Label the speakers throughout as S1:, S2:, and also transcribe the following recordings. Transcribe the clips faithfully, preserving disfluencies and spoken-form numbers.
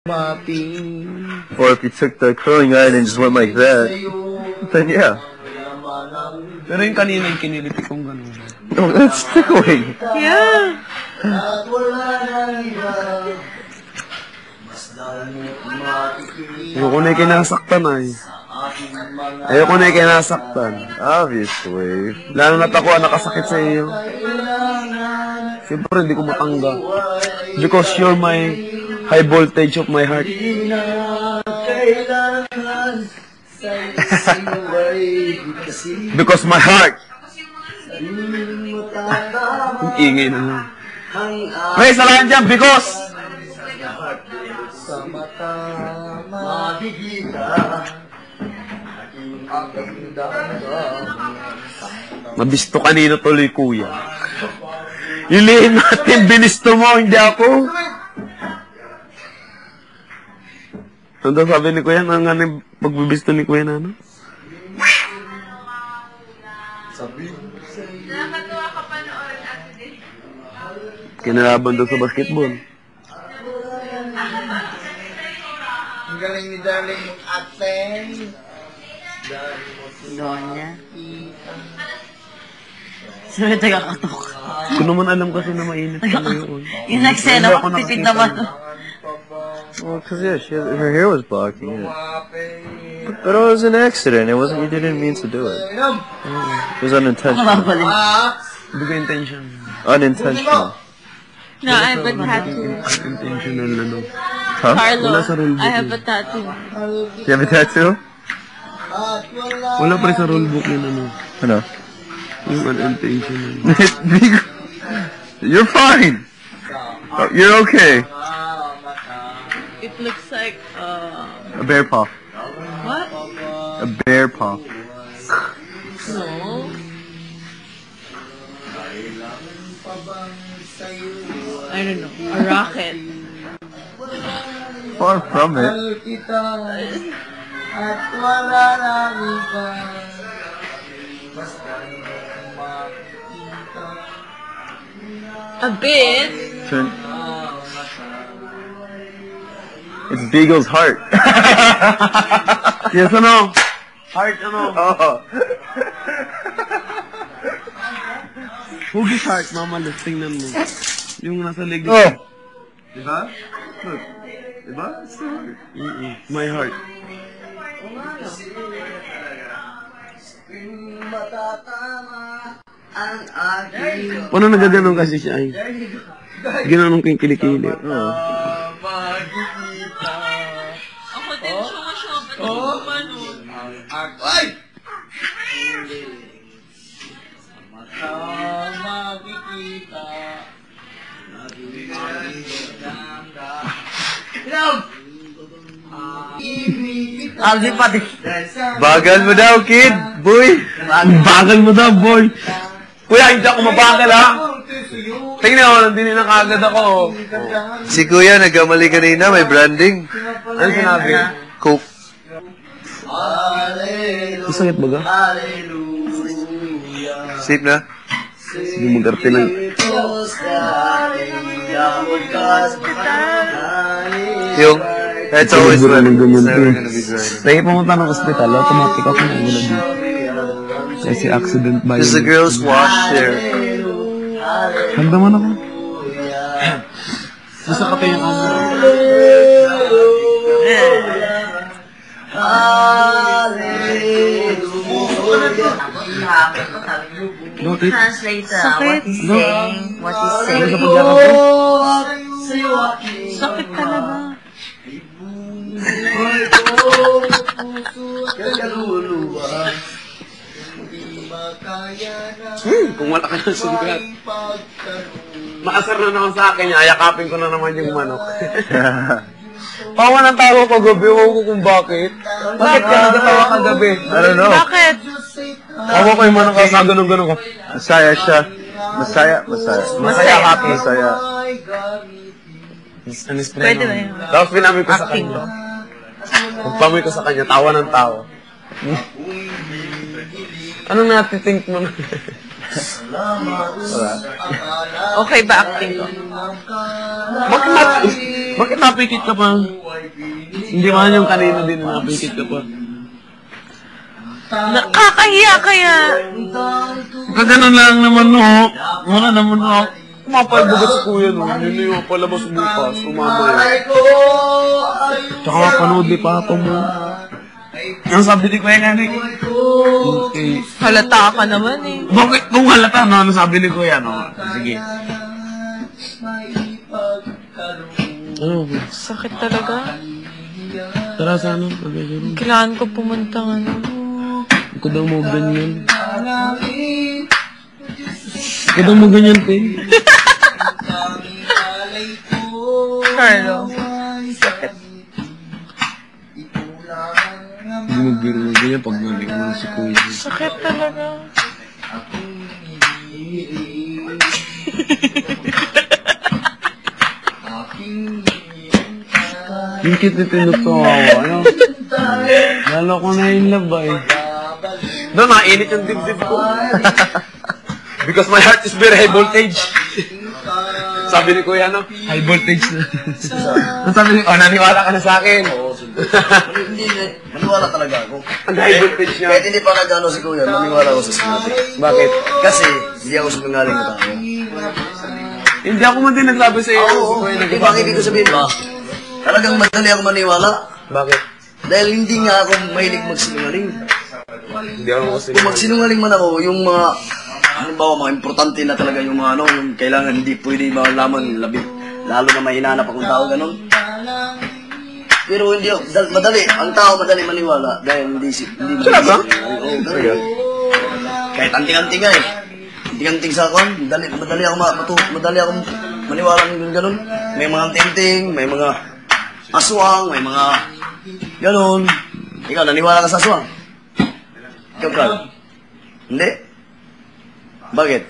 S1: Or if you took the curling iron and just went like that, then yeah.
S2: Pero yung kanina yung kiniliti kong gano'n.
S1: No, that's tickling.
S3: Yeah.
S2: Ayoko na yung kinasaktan ay. Ayoko na yung kinasaktan.
S1: Obviously.
S2: Lalo na't ako ang nakasakit sa iyo. Siyempre hindi ko matanggap. Because you're my high voltage of my heart. Because my heart. Ang ingay na nga. May salahan dyan, because.
S4: Sa mata makikita aking damdamin.
S2: Mabisto kanino tuloy, kuya. Ilihin natin, binisto mo, hindi ako. Ano daw sabi ni kuya? Ano nga yung pagbibisto ni kuya na ano?
S4: Sabi
S3: Nakakatuwa ka pa noon, Ate Din.
S2: Kinalaban daw sa basketball.
S4: ang galing ni darling mong ate.
S3: Donya. Sino taga-katok?
S2: Ko naman alam kasi na mainit ka na yun.
S3: Yung nagsena, magtipid naman.
S1: Well, because yeah, she had, her hair was blocking it. But, but it was an accident. It wasn't. You didn't mean to do it. It was unintentional.
S2: Hindi ko intention.
S1: Unintentional.
S3: No, I have a tattoo.
S2: Intentional na no.
S1: Huh?
S3: Carlo,
S2: Wala sa rulebook
S3: I have
S2: yun.
S3: a tattoo.
S1: Do you have a tattoo?
S2: Wala pa rin sa rulebook yun ano.
S1: Ano?
S2: Yung unintentional.
S1: You're fine. You're okay.
S3: It looks like, uh...
S1: A bear paw.
S3: What?
S1: A bear paw.
S3: No. I don't know. A rocket.
S1: Far from it.
S4: At wala nang iba. Basta makikita.
S3: A bit.
S1: Turn. It's Beagle's heart.
S2: Yes, ano? Heart, ano?
S1: Oh.
S2: Hugis heart, mama, let's tingnan mo. Yung nasa leg.
S1: Oh. Diba? Look. Diba? It's the heart.
S2: Mm-mm. My heart. Paano nagaganon kasi siya ay? Ginanong ko yung kilikili.
S1: Oh.
S3: Ako din siya siya. Ba't ako gumanon?
S4: Ay! Mata makikita.
S3: Aldi pati.
S1: Bagal mo daw, kid. Boy.
S2: Bagal mo daw, boy. Kuya, hindi ako mabagal, ha? Tingnan mo, nandinin na kagad ako.
S1: Si Kuya, nagkamali kanina. May branding.
S2: Ano sinabi?
S1: Coke.
S2: Masakit ba ga?
S1: Safe na?
S2: Sige, mag-arte lang.
S1: Yung, that's always
S2: Siguro
S1: when
S2: ng ganyan
S1: it's never
S2: to.
S1: gonna be dry.
S2: Lagi pumunta ng ospital, automatic ako na wala dito. Kasi accident ba
S1: Because the girls wash their...
S2: Hagdaman ako. Basta ka yung ako. Bakit?
S3: Translator, what he's saying, what he's
S2: Ano sa
S3: saying.
S2: pagyakap ko?
S3: Sakit talaga.
S2: Hmm, kung wala ka ng sugat. Maasar na naman sa akin, ayakapin ko na naman yung manok. Pawa ng tawa ko gabi, huwag ko kung bakit. Bakit ka nagatawa ka gabi?
S1: I don't know.
S3: Bakit?
S2: Pawa ko yung manok ka, ganun-ganun ka.
S1: Masaya siya. Masaya, masaya.
S2: Masaya, happy.
S1: Masaya.
S2: Ano spray
S3: Pwede ba
S2: naman?
S3: yun?
S2: Tapos pinamoy ko sa
S3: Acting
S2: kanya. Pagpamoy ko sa kanya, tawa ng tawa. Anong natitink mo na?
S3: Okay ba acting ko?
S2: Bakit mat Bakit napikit ka pa? Hindi man yung kanina din na napikit ka pa.
S3: Nakakahiya kaya.
S2: Kaganon lang naman, no? Wala naman, no? Kumapalbugat si kuya, no? Yun na yung palabas bukas, umama yun. Tsaka panood ni papa mo. Ang sabi ni kuya nga, Nick. Okay.
S3: Halata ka naman eh.
S2: Bakit? Kung halata, no? Ano sabi ni kuya, no? Sige. Ano?
S3: Sakit talaga.
S2: Tara sana.
S3: Kailangan ko pumunta ng ano.
S2: Ikaw daw mo ganyan. Ikaw daw mo ganyan, te.
S3: Carlo. Sakit.
S2: Hindi magbiro mo ganyan pag nalik mo si kuya.
S3: Sakit talaga.
S2: Yung cute na tinutuwa ko, ano? Lalo ko na in love ba eh. Doon, nakainit yung dibdib ko. Because my heart is very high voltage. Sabi ni kuya, ano? High voltage na. Ang sabi ni, oh, naniwala ka na sa akin.
S5: Hindi, hindi. Maniwala talaga ako.
S2: Ang high voltage niya.
S5: Kahit hindi pa nagano si Kuya, maniwala ako sa sinabi.
S2: Bakit?
S5: Kasi, hindi ako sumangaling na tao.
S2: Hindi ako man din nagsabi sa iyo.
S5: Oo, di ba ang ibig ko sabihin ba? Talagang madali ako maniwala.
S2: Bakit?
S5: Dahil hindi nga ako mahilig magsinungaling.
S2: Hindi ako kasi.
S5: Kung magsinungaling man ako, yung mga, halimbawa, mga importante na talaga yung mga ano, yung kailangan hindi pwede malaman, labi, lalo na may hinanap akong tao, ganun. Pero hindi ako, dal, madali, ang tao madali maniwala dahil hindi si, hindi
S2: Sila ba?
S5: Oo, ganun. Kahit anting-anting nga eh. Anting-anting sa akin, madali, madali ako ma, matu, madali ako maniwala ng ganun. May mga anting-anting, may mga aswang, may mga ganun. Ikaw, naniwala ka sa aswang? Ikaw, Carl? Hindi? Bakit?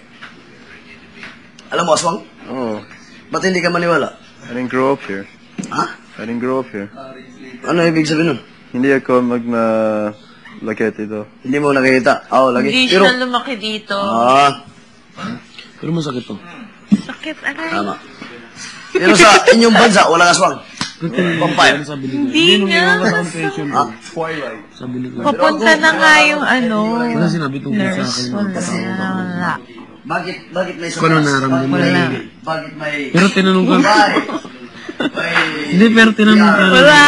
S5: Alam mo, aswang?
S1: Oh,
S5: Ba't hindi ka maniwala?
S1: I didn't grow up here.
S5: Ha?
S1: I didn't grow up here.
S5: Ano ibig sabihin nun?
S1: Hindi ako mag na lakit ito.
S5: Hindi mo nakikita? Oo, lagi.
S3: Hindi
S5: Pero,
S3: siya lumaki dito.
S5: ah,
S2: Pero masakit to.
S3: Sakit, aray.
S5: tama. Pero sa inyong bansa, walang aswang. Vampire.
S2: Sabi ni
S3: Hindi nga.
S5: Ha?
S2: Sabi ni kuya.
S3: Papunta na nga yung ano.
S2: Wala sinabi tungkol sa
S3: Nurse.
S2: akin.
S3: Wala. Wala.
S5: Bakit, bakit may
S2: Kung ano nararamdaman
S5: Bakit may,
S3: mo?
S5: bakit may,
S2: Pero tinanong ka.
S5: Why? May,
S2: Hindi, pero tinanong ka.
S3: Wala.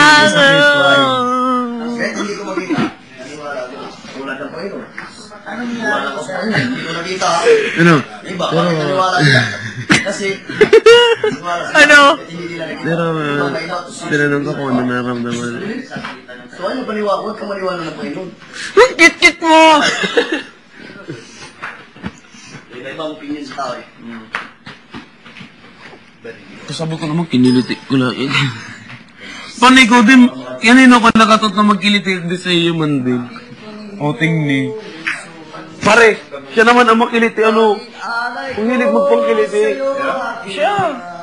S5: kahit hindi ko makita, naniwala ko. Wala kang Panginoon. Naniwala ko sa Panginoon. Hindi ko nakita.
S2: Ano?
S5: Iba, bakit naniwala sila? Kasi, naniwala sila.
S3: Ano?
S5: Kahit hindi nila nakita.
S2: Pero, uh, tinanong ka kung ano nararamdaman.
S5: So, ano paniwala? Huwag ka maniwala ng Panginoon.
S3: Ang cute-cute mo.
S5: Iba-ibang opinion sa tao eh.
S2: Sabi ko naman, kiniliti ko lang. Paano ikaw din, kanino ka nakatot na magkiliti din sa iyo man din? Outing ni. Pare, siya naman ang makiliti, ano? Kung hilig magpangkiliti. Siya.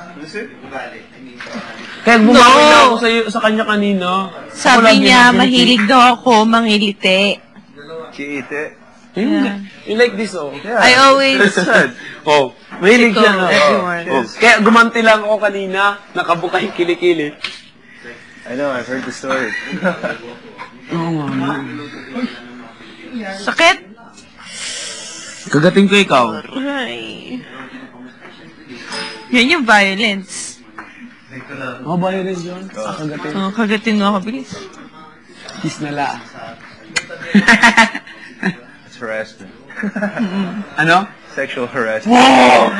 S2: Kaya bumawi na ako sa, iyo, sa kanya kanina. Ako
S3: Sabi
S2: lagi
S3: niya,
S2: makiliti.
S3: mahilig daw ako mangiliti.
S1: Kiite.
S2: Yung, you like this, oh.
S3: I always...
S2: Oh, mahilig siya na.
S3: Everyone.
S2: Oh. Kaya gumanti lang ako kanina, nakabuka yung kilikili.
S1: I know, I've heard the story.
S2: Oo nga.
S3: Sakit?
S2: Kagating ko ikaw.
S3: Ay. Yan yung violence.
S2: Oh, violence yun. Ah, kagating.
S3: Oh, kagatin mo ako, bilis.
S2: Kiss na la.
S1: It's harassment.
S2: Ano?
S1: Sexual harassment.
S2: Wow!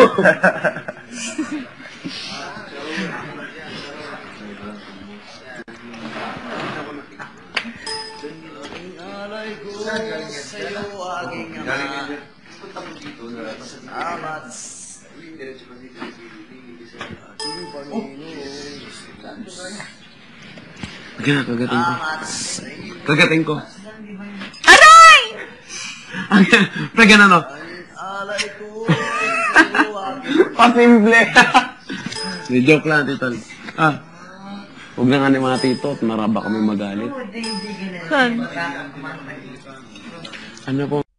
S2: Kaya kagating ko. Kagating ko.
S3: Aray!
S2: Pre, ganun, no? Pasimple. Di joke lang, titol. Ah. Huwag na nga ni mga tito at maraba kami magalit.
S3: Saan?
S2: Ano po?